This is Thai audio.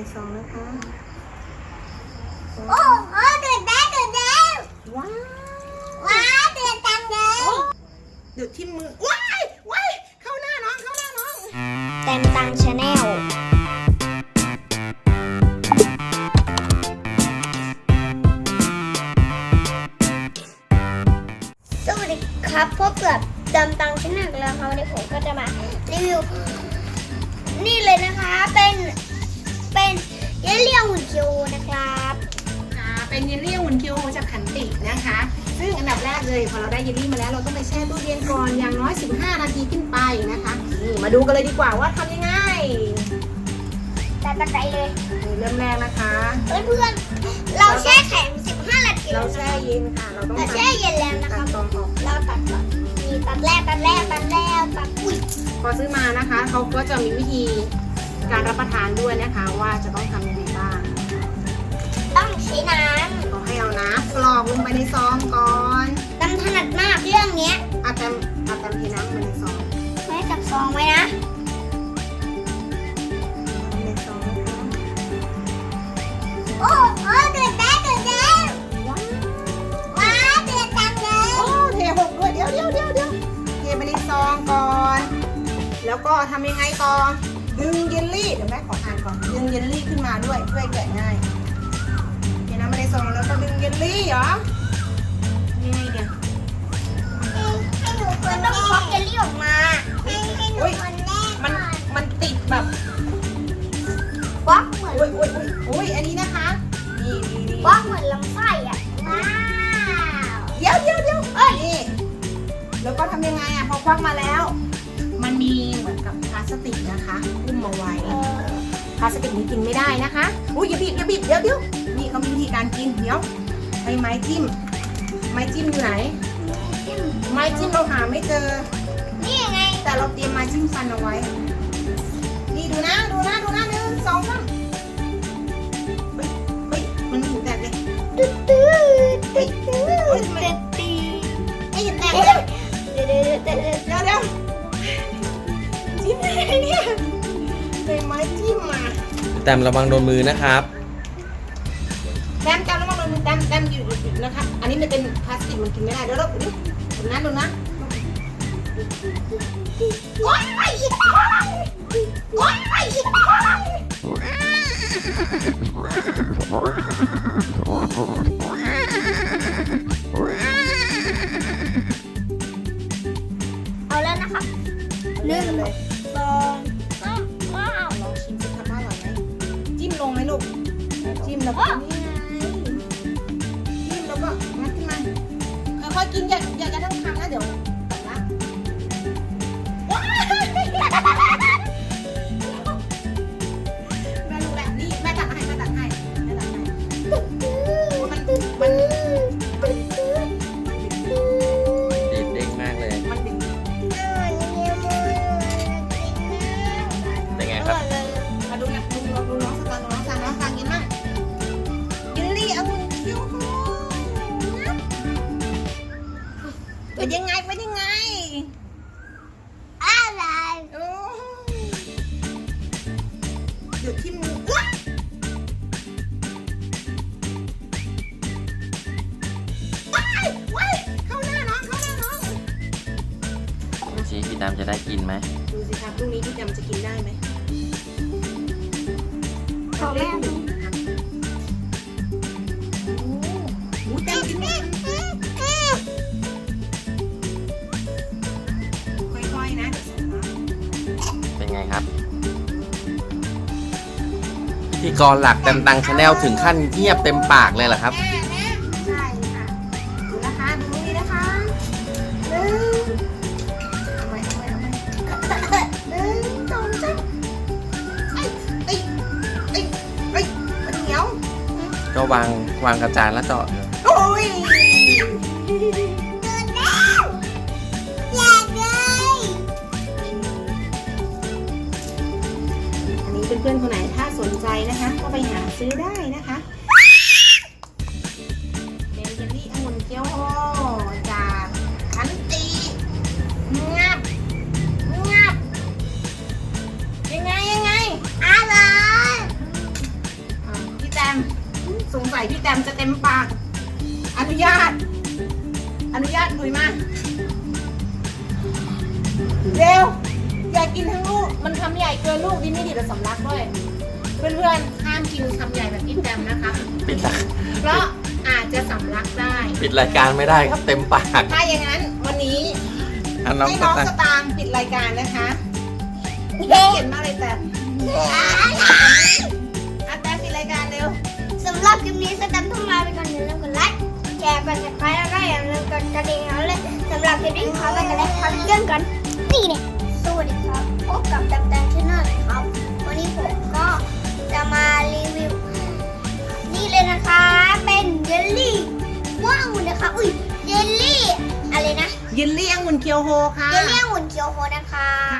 ซองนะคะโอ้เดือดแล้วว้าวเดือดจังเลยเดือดที่มือว้ายเข้าหน้าน้องเต็มตังชาแนลสวัสดีครับพบกับเต็มตังชาแนลแล้วครับวันนี้ผมก็จะมารีวิวนี่เลยนะคะเป็นเยลลี่หุ่นคิวนะครับเป็นเยลลี่หุ่นคิวจากขันตินะคะซึ่งอันดับแรกเลยพอเราได้เยลลี่มาแล้วเราต้องไปแช่ตู้เย็นก่อนอย่างน้อย15 นาทีขึ้นไปนะคะนี่มาดูกันเลยดีกว่าว่าทำยังไงตามใจเลยเริ่มแรกนะคะเพื่อนๆเราแช่แข็ง15 นาทีเราแช่เย็นค่ะเราต้องแช่เย็นแล้วนะคะตองออกเราตัดก่อนมีตัดแรกอุ้ยพอซื้อมานะคะเขาก็จะมีวิธีการรับประทานด้วยนะคะว่าจะต้องทำยังไงบ้างต้องใช้น้ำเขาให้เอาน้ำกรอกลงไปในซองก่อนตำถนัดมากเรื่องนี้อาจจะเทน้ำไปในซองไม่จับซองไว้นะในซองนะคะโอ้เดือดแล้วว้าวเดือดจังเลยโอ้เทหกด้วยเดี๋ยวเทไปในซองก่อนแล้วก็ทำยังไงต่อดึงเยลลี่เดี๋ยวแม่ขออ่านก่อนดึงเยลลี่ขึ้นมาด้วยเพื่อแกะง่ายเทน้ำมาในซองแล้วก็ดึงเยลลี่เหรอยังไงเดี๋ยวให้หนูคนต้องควักเยลลี่ออกมาให้หนูคนแรกมันติดแบบควักเหมือนโอ้ยอันนี้นะคะนี่ควักเหมือนลำไส้อ่ะว้าวเดี๋ยวนี่แล้วก็ทำยังไงอ่ะพอควักมาแล้วมันมีเหมือนกับพลาสติกนะคะหุ้มเอาไว้พลาสติกนี้กินไม่ได้นะคะอุ้ยอย่าบิดเดี๋ยวนี่เขามีวิธีการกินเดี๋ยวไม้จิ้มอยู่ไหนไม้จิ้มเราหาไม่เจอนี่ไงแต่เราเตรียมไม้จิ้มฟันเอาไว้นี่ดูนะ1 2 3เฮ้ยมันถึงแตกเลยไอ้แตกเลยเดี๋ยวจิ้มได้เนี่ยเลยไม้จิ้มมาแต้มระวังโดนมือนะครับแต้มระวังโดนมือแต้มอยู่นะคะอันนี้มันเป็นพลาสติกมันกินไม่ได้เดี๋ยวเราดูนะโอ๊ยเอาแล้วนะครับ1 2 3ว้าวลองชิมสิครับว่าอร่อยไหมจิ้มลงไหมลูกจิ้มแล้วก็นี่ไงจิ้มแล้วก็งัดขึ้นมาค่อยๆกินอย่าทั้งคำนะเดี๋ยวตัดละแม่รู้แล้วนี่แม่ตัดให้มันดีดเด้งมากเลยเป็นไงครับมาดูน้องสั่งกินมากเยลลี่องุ่นคิ้วเป็นยังไงอะไรโอ้เดี๋ยวที่มือว้ายเข้าหน้าน้องดูสิพี่น้ำจะได้กินไหมดูสิครับลูกนี้พี่จำจะกินได้ไหมขอแม่ดูหมูแดงกินไหมค่อยๆนะเป็นไงครับพิธีกรหลักแต้มตังชาแนลถึงขั้นเงียบเต็มปากเลยเหรอครับใช่ค่ะดูนะคะดูนี่นะคะเอาไว้1 2 3มันเหนียวก็วางกระจานแล้วต่อโอ้ยอยากเลยอันนี้เพื่อนๆคนไหนถ้าสนใจนะคะก็ไปหาซื้อได้นะคะเป็นเยลลี่องุ่นเกี๊ยวจากขันติงับยังไงอร่อยพี่แตมจะเต็มปาก อนุญาตคุยมาเร็วอย่ากินทั้งลูกมันคำใหญ่เกินลูกดีไม่ดีแต่สำลักด้วยเพื่อนๆห้ามกินคำใหญ่แบบพี่แตมนะคะปิดละเพราะอาจจะสำลักได้ปิดรายการไม่ได้ครับเต็มปากถ้าอย่างนั้นวันนี้อ่ะน้องให้สน้องตางสค์ตางค์ปิดรายการนะคะเขียนมากเลยแต่แต่ปิดรายการเร็วสำหรับคลิปนี้สแตมป์ต้องลาไปก่อนอย่าลืมกดไลค์แชร์กด subscribe แล้วก็อย่าลืมกดกระดิ่งเอาเลยสำหรับคลิปนี้ขอไปกันเลยขอเรื่องกันนี่เนี่ยสวัสดีครับพบกับแตมชาแนลครับวันนี้ผมก็จะมารีวิวนี่เลยนะคะเป็นเยลลี่ว้าวนะคะอุ้ยเยลลี่อะไรนะยินเลี่ยงหุ่นเคียวโฮค่ะเยลลี่องุ่นเคียวโฮนะคะ